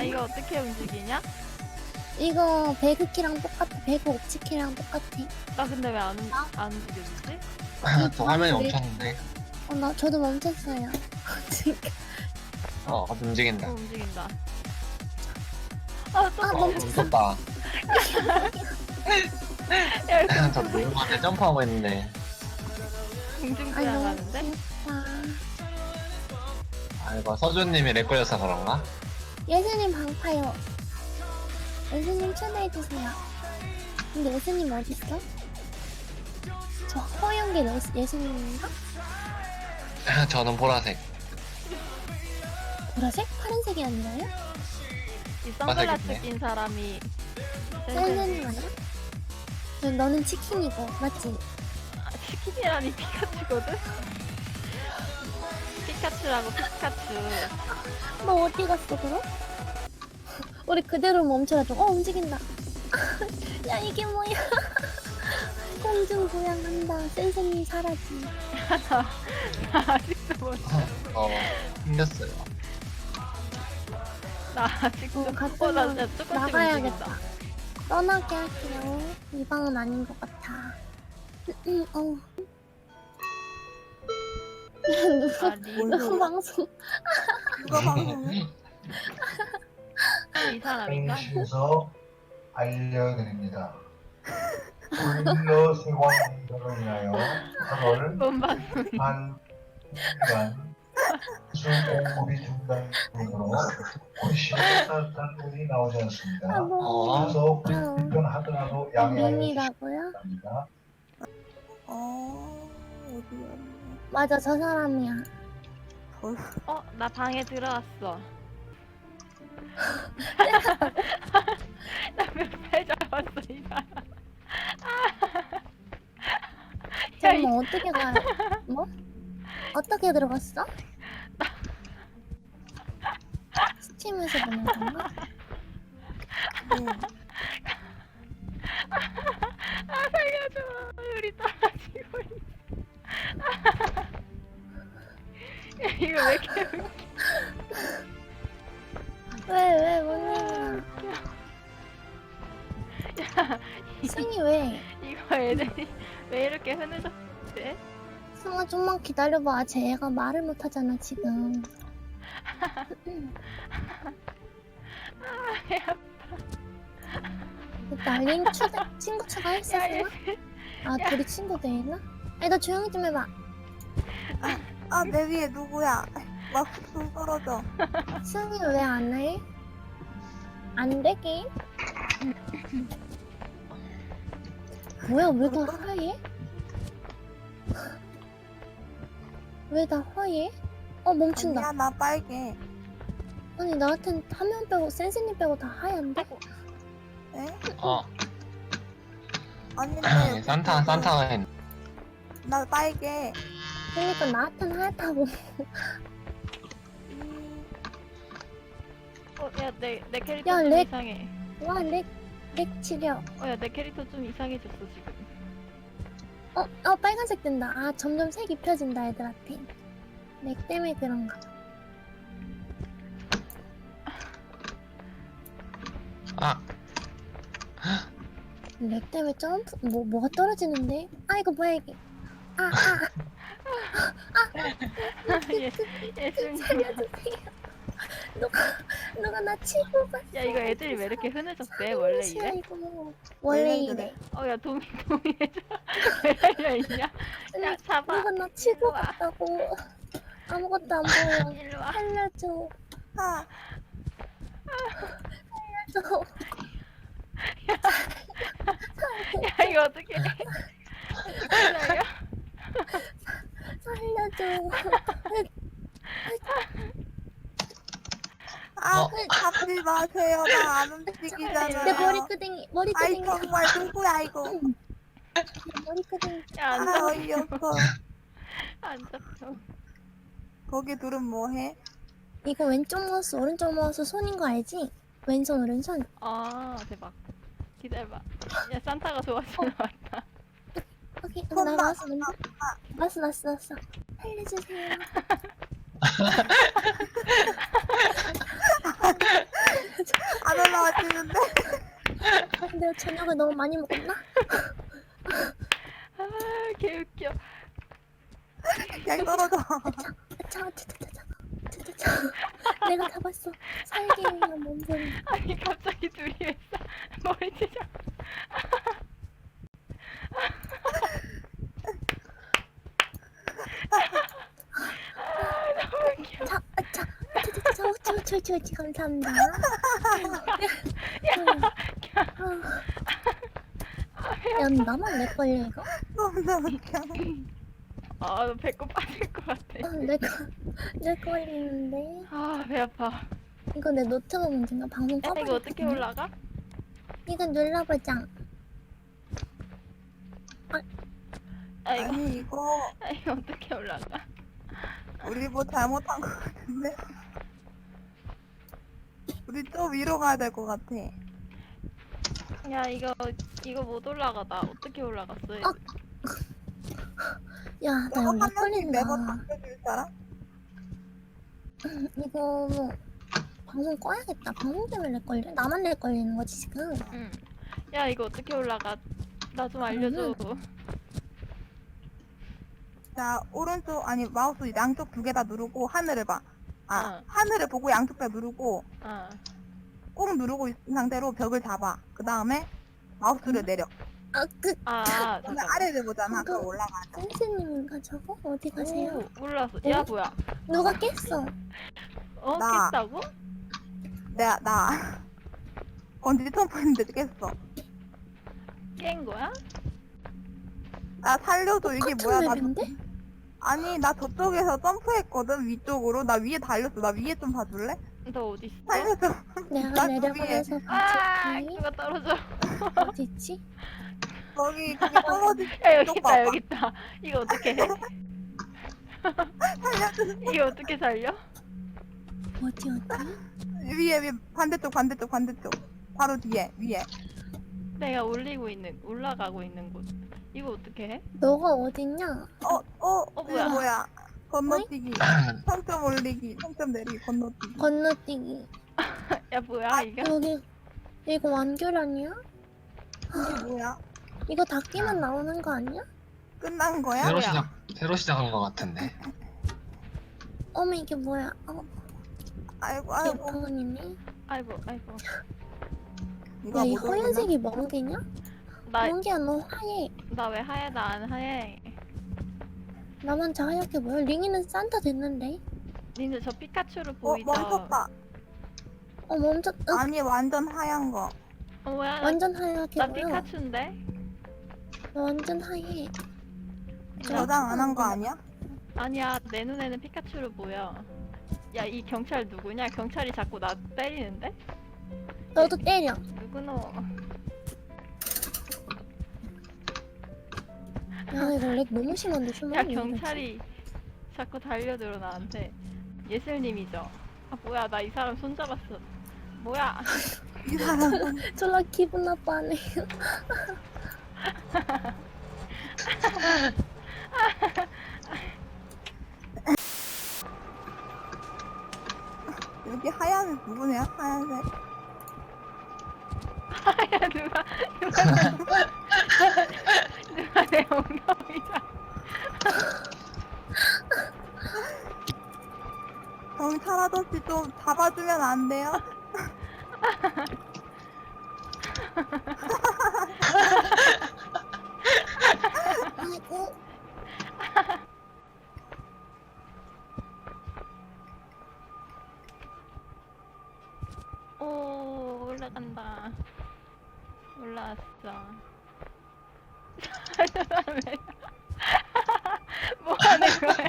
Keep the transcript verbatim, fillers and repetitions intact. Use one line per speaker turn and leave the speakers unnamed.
야 이거 어떻게 움직이냐?
이거 배그키랑 똑같아. 배그 옵치키랑 똑같아.
나 근데 왜 안 안 움직여지지?
저 화면이 멈췄는데.
어, 나 저도 멈췄어요. 지금.
어, 움직인다.
어 움직인다. 아또
아,
어,
멈췄어.
무섭다.
야 이거
저 누군가한테 점프하고 있는데.
아, 너무
둥둥둥하는데?
귀엽다.
아이고, 서준님이 렉 걸려서 그런가?
예수님 방파요. 예수님 초대해주세요. 근데 예수님 어딨어? 저 허연 게 예수, 예수님인가?
저는 보라색.
보라색? 파란색이 아니라요?
이 선글라스
맞아야겠네.
낀 사람이
셀렌님 아니야? 너- 너는 치킨이고 맞지?
아, 치킨이라니 피카츄거든? 피카츄라고 피카츄.
너 어디 갔어 그럼? 우리 그대로 멈춰가지고 어 움직인다. 야 이게 뭐야? 공중 부양한다. 센세님 사라지.
나 아직도 못.
어, 힘들었어요.
나 아직도.
어, 갔다
어, 나
나-
진짜 조금씩
나가야겠다.
움직인다.
떠나게 할게요. 이 방은 아닌 것 같아. 음, 어. 누구
아니
누구 방송?
누가 방송해?
이 사람인가?
공시에서 알려드립니다. 불교 세관들을 위하여 팔월
뭔 방송?
한 시간 수공급이 중단으로 공시에 따뜻한 물이 나오지 않습니다.
아, 뭐.
어,
그래서
아,
불편하더라도 양해하여 주시기
밈이라고요?
바랍니다.
어 어디야?
맞아, 저 사람이야.
어, 나 방에 들어왔어. 나 몇 발 잡았어, 이 사람. 야, 이
잠깐만, 어떻게 가요? 뭐? 어떻게 들어갔어? 스팀에서 보는 건가?
네.
아, 살려줘. 우리 떨어지고 있어. 야, 이거 왜 이렇게 웃겨.
왜, 왜, 뭔 일이야?
야,
승이 왜?
이거 애들이 왜 이렇게 흐느졌대?
승아, 좀만 기다려봐. 쟤 애가 말을 못하잖아, 지금.
아, 야,
날린 추대, 친구 추가했어,
야, 얘,
승아? 아, 둘이 친구 되나? 아니, 너 조용히 좀 해봐.
아 내 위에 누구야? 막 훅 떨어져.
승이 왜 안 해? 안 되게? 뭐야, 왜 다 하얘? 왜 다 하얘? 어, 멈춘다.
아니야 나 빨개.
아니, 나한텐 화면 빼고, 센스님 빼고 다 하얀데?
에?
어,
아닌데.
산타, 산타가 했네.
나 빨개.
그러니까 나한텐 하얗다고.
음,
어, 야, 내, 내 캐릭터
야,
좀
렉.
이상해.
와, 렉, 렉 치려.
어, 야, 내 캐릭터 좀 이상해졌어, 지금.
어, 어, 빨간색 된다. 아, 점점 색 입혀진다, 애들한테. 렉 때문에 그런가.
아,
렉 때문에 점프, 뭐, 뭐가 떨어지는데? 아, 이거 뭐야, 이게. 아, 아,
예, 예수님.
살려주세요. 누가, 누가 나 치고 갔어.
야, 이거 애들이 왜 이렇게 흐느졌대? 원래
무시야,
이래?
이거. 원래
원래
이래.
그래.
어, 야, 도미, 도미해줘. 왜 달려있냐? 야,
아니,
잡아.
누가 나 치고
일로 와.
갔다고. 아무것도 안 보여.
일로 와.
살려줘.
아
살려줘.
야, 이거 어떻게 해? 살려?
살려줘.
아,
어.
잡지 마세요. 나 안
내
움직이잖아요.
머리끄댕이,
아이
머리끄댕이.
정말 누구야 이거?
내 머리끄댕이.
야, 안
아
잡혀.
어이없어.
안 잡혀.
거기 둘은 뭐해?
이거 왼쪽 마우스, 오른쪽 마우스 손인 거 알지? 왼손, 오른손.
아, 대박. 기다려봐. 야, 산타가 도와주러 왔다.
오케이, 나
손
마우스 먼저. 마우스 났어, 났어. 살려주세요. 걸 너무 많이 먹었나?
아, 개웃겨.
그냥 떨어져.
아차, 아차, 아차, 아차, 아차, 아차. 내가 잡았어. 살기위한 몸소리.
아니, 갑자기 둘이 왜 싸? 머리 찢어. 아, 너무 웃겨.
자, 아차, 아차, 아차, 아차, 우치, 우치, 우치, 우치, 감사합니다. 야, 나만 내 걸려 이거?
너무 웃겨.
아, 너 배꼽 빠질 것 같아.
어, 내 거, 내 걸리는데.
아, 배 아파.
이거 내 노트북 문제인가? 방송
야,
꺼버렸거든.
이거 어떻게 올라가?
이거 눌러보자.
아, 이거,
아니 이거
아, 이거 어떻게 올라가?
우리 뭐 잘못한 거 같은데. 우리 좀 위로 가야 될 것 같아.
야, 이거, 이거 못 올라가다. 어떻게 올라갔어? 이거?
어. 야, 나
이거
이거
한
렉
명씩
걸린다.
매번 바꿔줄 사람?
이거 뭐 방송 꺼야겠다. 방송 때문에 렉 걸려? 나만 렉 걸리는 거지 지금?
응. 야, 이거 어떻게 올라가? 나 좀 알려줘.
자 오른쪽 아니 마우스 양쪽 두 개 다 누르고 하늘을 봐. 아
어.
하늘을 보고 양쪽 다 누르고
어.
꼭 누르고 있는 상태로 벽을 잡아. 그 다음에 마우스를 내려.
아, 그
아,
그다음에
잠깐.
아래를 보잖아.
그거-
그럼 올라가.
선생님인가 저거? 어디 가세요?
오, 몰랐어. 야, 뭐야?
누가 깼어?
어,
나.
깼다고?
내가 나 건지 텀프인데 깼어.
깬 거야?
나 살려줘. 이게
똑같은
뭐야? 나
맵인데?
아니 나 저쪽에서 점프했거든 위쪽으로. 나 위에 달렸어. 나 위에 좀 봐줄래?
너 어디 있어?
살려줘.
내가
나
내려보내서
아,
같이
누가 떨어져?
어디 있지?
거기 그게 떨어지.
야, 여기
쪽
있다,
봐봐.
여기 있다. 이거 어떻게 해?
살려줘.
이거 어떻게 살려?
어디 어디?
위에 위에 반대쪽 반대쪽 반대쪽. 바로 뒤에 위에.
내가 올리고 있는, 올라가고 있는 곳. 이거 어떻게 해?
너가 어딨냐?
어, 어,
어,
이게
뭐야?
뭐야? 건너뛰기. 평점 올리기, 평점 내리기, 건너뛰기.
건너뛰기.
야, 뭐야, 이게?
여기 이거 완결 아니야?
이게 뭐야?
이거 다 끼면 나오는 거 아니야?
끝난 거야?
새로
뭐야?
시작 새로 시작한 것 같은데.
어머 이게 뭐야? 어,
아이고, 아이고.
어.
개판이네.
아이고, 아이고.
누가
야, 이
못 올리나?
허연색이 멍게냐?
나,
멍게야 너 하얘.
나 왜 하얘? 나 안 하얘.
나만 저 하얗게 보여? 링이는 산타 됐는데?
니네 저 피카츄로
어,
보이죠?
멈췄다.
어 멈췄.. 응,
아니, 완전 하얀 거.
어, 뭐야? 나,
완전 하얗게
나
보여.
피카츄인데?
너 완전 하얘.
저장 안 한 거 아니야?
아니야, 내 눈에는 피카츄로 보여. 야, 이 경찰 누구냐? 경찰이 자꾸 나 때리는데?
너도 때려.
누구노?
야 이거 렉 너무 심한데
야,
shum머리.
경찰이 자꾸 달려들어 나한테. 예슬님이죠? 아, 뭐야, 나 이 사람 손잡았어. 뭐야?
이 사람.
졸라 기분 나빠하네.
여기 하얀 누구냐? 하얀색.
야, 누가, 누가, 누가 내 엉덩이다.
경찰 아저씨 좀 잡아주면 안 돼요?
아이고.
오, 올라간다. 올라왔어. 뭐 하는 거야?